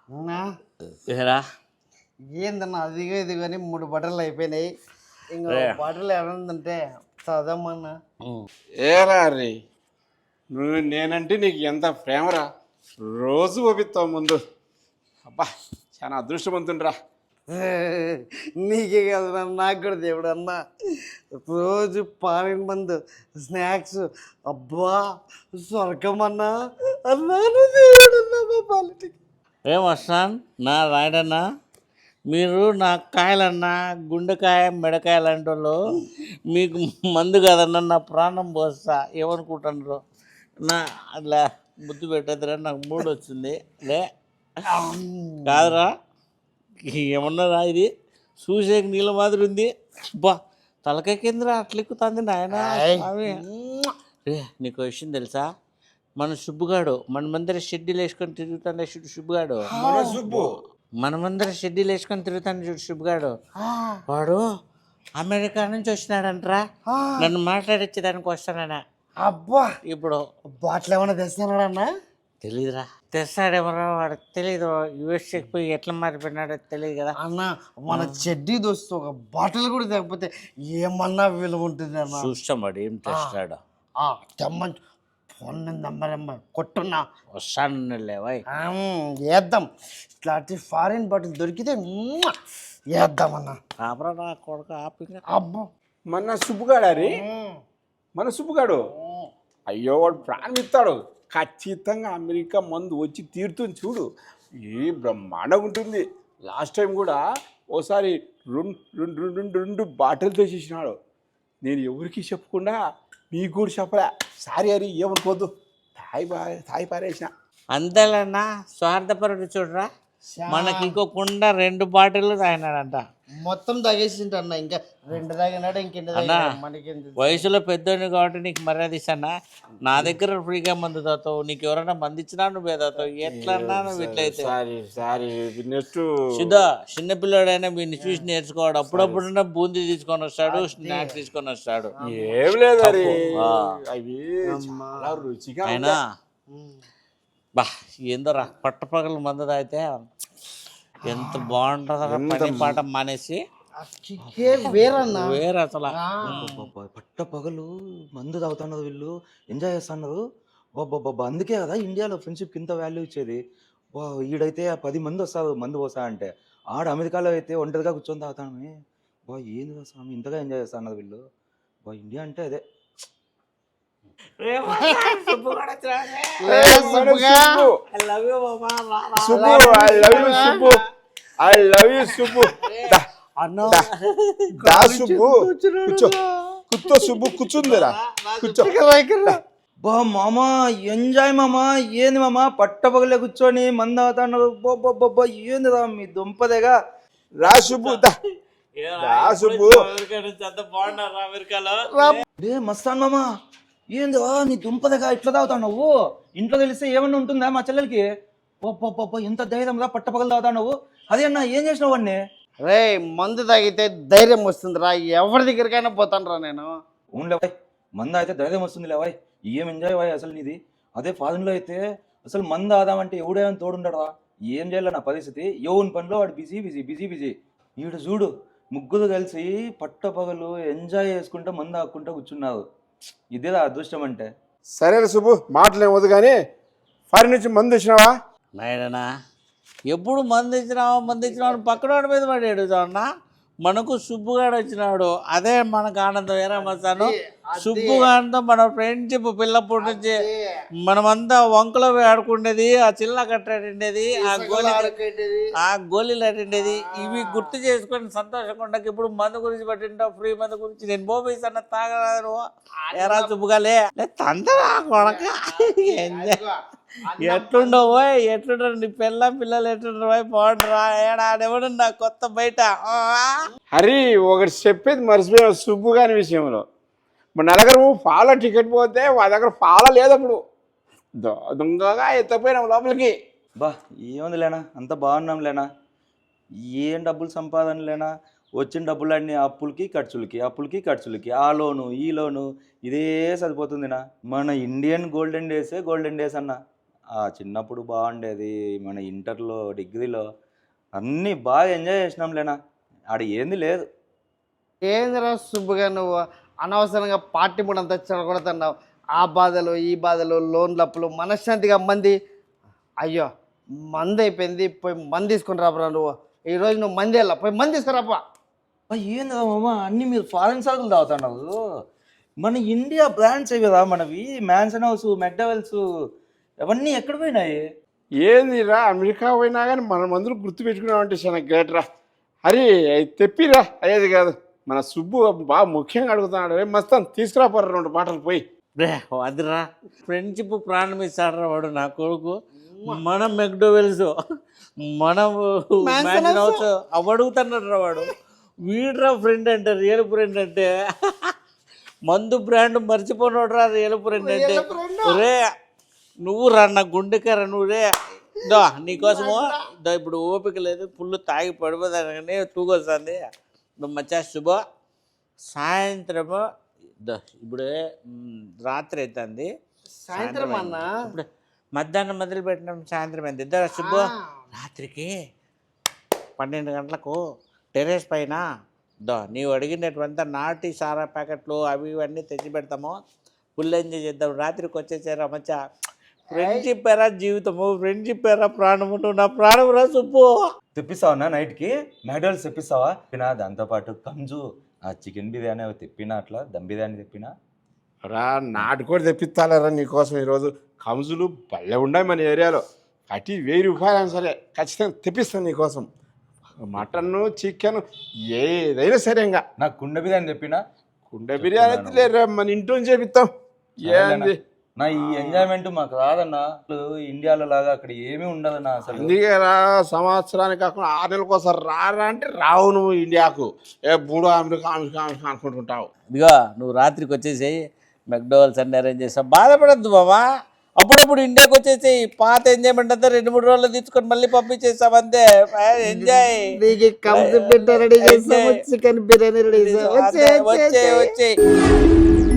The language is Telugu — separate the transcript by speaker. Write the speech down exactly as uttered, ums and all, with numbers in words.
Speaker 1: అవునా
Speaker 2: ఏరా
Speaker 1: ఏందన్నా అదిగో ఇది కానీ మూడు బట్టలు అయిపోయినాయి. ఇంకా బట్టలు ఎవరుందంటే చదవమన్నా.
Speaker 3: ఏరా రే నువ్వు నేనంటే నీకు ఎంత ప్రేమరా, రోజు పంపిస్తావు ముందు. అబ్బా చాలా అదృష్టవంతుండ్రా.
Speaker 1: నీకే కదా నాకు కూడా దేవుడు అన్న. రోజు పాలన మందు స్నాక్స్ అబ్బా స్వర్గం అన్నా. అన్నాను దేవుడు అన్నా మా పాలిటికి.
Speaker 2: ఏం వస్తాన్ నా రాయడన్నా, మీరు నా కాయలన్నా గుండెకాయ మెడకాయ లాంటి వాళ్ళు, మీకు మందు కదన్నా నా ప్రాణం పోస్తా ఏమనుకుంటున్నారు. నా అట్లా ముద్దు పెట్టద్దురా, నాకు మూడు వచ్చింది లే కాదురా. ఏమన్నారా ఇది చూసేకి నీళ్ళ మాదిరి ఉంది. బా తలకాయ కిందరా అట్లా ఎక్కుతుంది నాయన. రే నీకు విషయం తెలుసా, మన సుబ్బుగాడు మన మందర షెడ్యూల్ వేసుకొని తిరుగుతాడే చూడు సుబ్బుగాడు.
Speaker 3: మన సుబ్బు
Speaker 2: మన మందర షెడ్యూల్ వేసుకొని తిరుగుతాడు చూడు సుబ్బుగాడు. వాడు అమెరికా నుంచి వచ్చినాడంటరా, నన్ను మాట్లాడించేదానికి వస్తానన్నా.
Speaker 1: అబ్బా
Speaker 2: ఇప్పుడు
Speaker 1: బాటిల్ ఏమైనా తెస్తున్నాడన్నా?
Speaker 2: తెలీదురా, తెస్తాడేమరా వాడు తెలీదు. యూఎస్ఏకి పోయి ఎట్లా మారిపోయినాడో తెలియదు కదా
Speaker 1: అన్న. మన చెడ్డీ దోస్తు ఒక బాటిల్ కూడా తగ్గిపోతే ఏమన్నా విలువ ఉంటుంది అన్న.
Speaker 2: చూస్తాం వాడు ఏం తెస్తాడు.
Speaker 1: తెమ్మని ఫోన్ నెంబర్ కొట్టున్నా
Speaker 2: వస్తాను లేవాయ్
Speaker 1: వేద్దాం. ఇట్లాంటి ఫారిన్ బాటిల్ దొరికితే మ్మ్ వేద్దామన్నా.
Speaker 2: కాపరా నా కొడుకు ఆపింగ్.
Speaker 1: అబ్బో
Speaker 3: మన సుబ్బుగాడా రే, మన సుబ్బుగాడు. అయ్యో వాడు ప్రాణం ఇస్తాడు. ఖచ్చితంగా అమెరికా మందు వచ్చి తీరుతుంది చూడు, ఏ బ్రహ్మాండంగా ఉంటుంది. లాస్ట్ టైం కూడా ఓసారి రెండు రెండు రెండు రెండు రెండు బాటిల్ తెచ్చేసినాడు. నేను ఎవరికి చెప్పకుండా మీకు కూడా చెప్పలే. సారీ అరి ఏమనుకోవద్దు, తాయి పా తాయి పారేసిన.
Speaker 2: అంతేలన్నా స్వార్థపరుడు చూడరా, మనకి ఇంకోకుండా రెండు బాటిల్ తాగినాడంట.
Speaker 1: మొత్తం తాగేసింట అన్న. ఇంకా రెండు తాగినాడు ఇంకెంత
Speaker 2: అన్నా
Speaker 1: మనకి.
Speaker 2: వయసులో పెద్దోడిని కాబట్టి నీకు మర్యాద ఇస్తానా. నా దగ్గర ఫ్రీగా మందు తాతావు, నీకు ఎవరైనా మంది ఇచ్చినా నువ్వే తాతావు. ఎట్లన్నా నువ్వు ఇట్లయితే
Speaker 3: సారీ సారీ నెక్స్ట్
Speaker 2: సుధా చిన్నపిల్లాడైనా వీడిని చూసి నేర్చుకోవాడు. అప్పుడప్పుడైనా బూందీ తీసుకొని వస్తాడు, స్నాక్స్ తీసుకొని వస్తాడు.
Speaker 3: ఏం లేదు అరే, అవి చాలా రుచిగా
Speaker 2: అయినా బా ఏందోరా పట్టపగలు మందు తాగితే ఎంత బాగుంటుందా. పని పాట మానేసి
Speaker 1: వేరన్నా
Speaker 2: వేరే అసలు.
Speaker 4: పట్ట పగలు మందు తాగుతున్నారు వీళ్ళు, ఎంజాయ్ చేస్తున్నారు. బాబా అందుకే కదా ఇండియాలో ఫ్రెండ్షిప్ ఇంత వాల్యూ ఇచ్చేది. బా ఈడైతే పది మంది వస్తారు మందు పోసా అంటే, ఆడ అమెరికాలో అయితే ఒంటరిగా కూర్చొని తాగుతామే. బా ఏంది స్వామి ఇంతగా ఎంజాయ్ చేస్తున్నారు వీళ్ళు. బా ఇండియా అంటే అదే.
Speaker 3: Subbu I love you Subbu, I love you Subbu.
Speaker 1: అన్న
Speaker 3: దా సుబ్బు కూర్చో, కూర్చో సుబ్బు కూర్చుందిరా కూర్చో.
Speaker 4: బా మామా ఎంజాయ్ మామా. ఏంది మామా పట్ట పగలే కూర్చొని మందు తాగుతున్నారు. బాబా ఏంది రా మీ దుంపదేగా.
Speaker 3: రా సుబ్బు దా దా సుబ్బు.
Speaker 2: అమెరికాలో
Speaker 4: రే మస్తాన్ మామా ఏంది నీ దుంపదగా ఇట్లా తాగుతావు. ఇంట్లో తెలిస్తే ఏమన్నా ఉంటుందా మా చెల్లెలకి. పప్ప ఎంత ధైర్యం రా పట్ట పగలు తాగుతావు. అదే అన్న ఏం చేసినావు వాడిని.
Speaker 1: రే మందు తాగితే ధైర్యం వస్తుంది రా, ఎవరి దగ్గరికైనా పోతాను రా నేను.
Speaker 4: అవునులేవాయ్ మంద అయితే ధైర్యం వస్తుంది లేవాయ్. ఏం ఎంజాయ్ వాయ్ అసలు నీది. అదే ఫారెన్లో అయితే అసలు మంద ఆదామంటే ఎవడేమని తోడుండరా. ఏం చేయాలి నా పరిస్థితి. ఎవరి పనిలో వాడు బిజీ బిజీ బిజీ బిజీ. ఈడు చూడు ముగ్గురు కలిసి పట్ట పగలు ఎంజాయ్ చేసుకుంటూ మంద ఆక్కుంటూ కూర్చున్నారు. ఇదేదా అదృష్టం అంటే.
Speaker 3: సరే సుబ్బు మాటలు ఏమవుతుంది కానీ, ఫారిన్ నుంచి మందు వచ్చినావా?
Speaker 2: నాయనా ఎప్పుడు మంది ఇచ్చినావా మంది ఇచ్చినావు పక్కన మీద పడి అడుగుతావున్నా. మనకు సుబ్బుగాడు వచ్చినాడు, అదే మనకు ఆనందం. ఏరా మస్తాను సుబ్బుగాడితో మన ఫ్రెండ్షిప్ పిల్లప్పటి నుంచి మనమంతా వంకలో ఆడుకునేది, ఆ చిల్ల కట్టాడిండేది, ఆ గోళీ ఆ గోళీలు ఆడిండేది. ఇవి గుర్తు చేసుకొని సంతోషంగా ఉండక ఇప్పుడు మందు గురించి పట్టింటావు, ఫ్రీ మందు గురించి. నేను పోయిస్తాను తాగరాదు. ఎరా సుబ్బుగాలే తందరా కొడక. ఎట్లుండవు ఎట్లుంటారు నీ పిల్ల పిల్లలు ఎట్లుంటారు పోయి బాగుంటారా. ఏడాడెవడు నా కొత్త బయట.
Speaker 3: హరి ఒకటి చెప్పేది మర్చిపోయిన సుబ్బు గారి విషయంలో. మన దగ్గర పాల టికెట్ పోతే వాళ్ళ దగ్గర పాల లేదు. అప్పుడు దొంగగా ఎత్తపోయినాం లోపలికి.
Speaker 4: బా ఏముంది లేనా అంత బాగున్నాం లేనా. ఏం డబ్బులు సంపాదన లేనా. వచ్చిన డబ్బులన్నీ అప్పులకి ఖర్చులకి అప్పులకి ఖర్చులకి, ఆ లోను ఈ లోను ఇదే సరిపోతుందినా. మన ఇండియన్ గోల్డెన్ డేసే గోల్డెన్ డేస్ అన్న. ఆ చిన్నప్పుడు బాగుండేది, మన ఇంటర్లో డిగ్రీలో అన్నీ బాగా ఎంజాయ్ చేసినాంలేనా. ఆడ ఏంది లేదు.
Speaker 1: ఏందిరా సుబ్బుగా నువ్వు అనవసరంగా పార్టీ మూడు అంతా చెడగొడుతున్నావు. ఆ బాధలు ఈ బాధలు లోన్లు అప్పులు మనశ్శాంతిగా మంది. అయ్యో మంది అయిపోయింది, పోయి మంది తీసుకుని రాబరా నువ్వు. ఈరోజు నువ్వు మంది వెళ్ళా, పోయి మంది తీసుకురాపా.
Speaker 4: అబ్బా, ఏంది మామ అన్నీ మీరు ఫారెన్ సరుకులు తాగుతున్నావు. మన ఇండియా బ్రాండ్స్ కదా మనవి, మ్యాన్సన్ హౌస్, మెక్డవెల్స్ అవన్నీ ఎక్కడ పోయినాయి?
Speaker 3: ఏందిరా అమెరికా పోయినా కానీ మన మందులు గుర్తు పెట్టుకున్నామంటే చాలా గ్రేట్ రా. అరే అవి తెప్పిరా, అయ్యేది కాదు. మన సుబ్బు బాగా ముఖ్యంగా అడుగుతున్నాడు. రే మస్తాన్ తీసుకురాపోరా రెండు మాటలు పోయి.
Speaker 2: రే అదిరా ఫ్రెండ్షిప్ ప్రాణం ఇస్తాడరా వాడు నా కొడుకు. మనం మెక్డోవెల్స్, మనం మ్యాన్షన్ హౌస్ అవి అడుగుతున్నాడు రా వాడు. వీడ్రా ఫ్రెండ్ అంటే, రియల్ ఫ్రెండ్ అంటే. మందు బ్రాండ్ మర్చిపోనాడు రా రియల్ ఫ్రెండ్ అంటే. రే నువ్వు రా నా గుండెకార, నువ్వు రే దో నీకోసము దో ఇప్పుడు ఓపిక లేదు, ఫుల్ తాగి పడిపోతానని తూగొస్తుంది. నువ్వు మచ్చా శుభ సాయంత్రము దో ఇప్పుడే రాత్రి అవుతుంది.
Speaker 1: సాయంత్రం అన్న
Speaker 2: ఇప్పుడు మధ్యాహ్నం మొదలు పెట్టినాం, సాయంత్రం అయింది. ఇద్దరు శుభ రాత్రికి పన్నెండు గంటలకు టెర్రస్ పైన దో నీవు అడిగినటువంటి నాటి సారా ప్యాకెట్లు అవి ఇవన్నీ తెచ్చి పెడతాము. ఫుల్ ఎంజాయ్ చేద్దాం. రాత్రికి వచ్చేసారా మచ్చా. ఫ్రెండ్షిప్ ఎరా జీవితము, ఫ్రెండ్షిప్ ఎరా ప్రాణము. నువ్వు నా ప్రాణం రా సుబ్బు.
Speaker 4: తెప్పిస్తావా నైట్కి మ్యాక్డవెల్స్ తెప్పిస్తావా? తిప్పినా దాంతోపాటు కంజు, ఆ చికెన్ బిర్యానీ అవి తెప్పినా, అట్లా దమ్ బిర్యానీ తెప్పినా.
Speaker 3: రా నాటుకోడి తెప్పిస్తాలేరా నీకోసం ఈరోజు. కంజులు భలే ఉన్నాయి మన ఏరియాలో. అటు వెయ్యి రూపాయలు అయినా సరే ఖచ్చితంగా తెప్పిస్తాను నీకోసం. మటన్ చికెన్ ఏదైనా సరే. ఇంకా
Speaker 4: నాకు కుండ బిర్యానీ తెప్పినా.
Speaker 3: కుండ బిర్యానీ అయితే లేరా, మన ఇంట్లో చేపిస్తాం. ఏంది
Speaker 4: నా ఈ ఎంజాయ్మెంట్ మాకు రాదన్నా. ఇండియాలో లాగా అక్కడ ఏమీ ఉండదన్నా అసలు.
Speaker 3: అందుకే రా సంవత్సరానికి కాకుండా ఆరు నెలలకు ఒకసారి రారా అంటే రావు నువ్వు ఇండియాకు. ఏ బూడో అమెరికా అమెరికా అమెరికా అనుకుంటుంటావు.
Speaker 2: ఇదిగో నువ్వు రాత్రికి వచ్చేసేయి, మెక్డోవల్స్ అన్ని అరేంజ్ చేస్తావు. బాధపడద్దు బాబా. అప్పుడప్పుడు ఇండియాకి వచ్చేసేయి. పాత ఎంజాయ్మెంట్ అంతా రెండు మూడు రోజులు తీసుకొని మళ్ళీ పంపించేస్తాం అంతే. ఎంజాయ్.
Speaker 1: నీకు కంప్లీట్ రెడీ చేస్తాము, చికెన్ బిర్యానీ రెడీ చేస్తాము.
Speaker 2: వచ్చే వచ్చే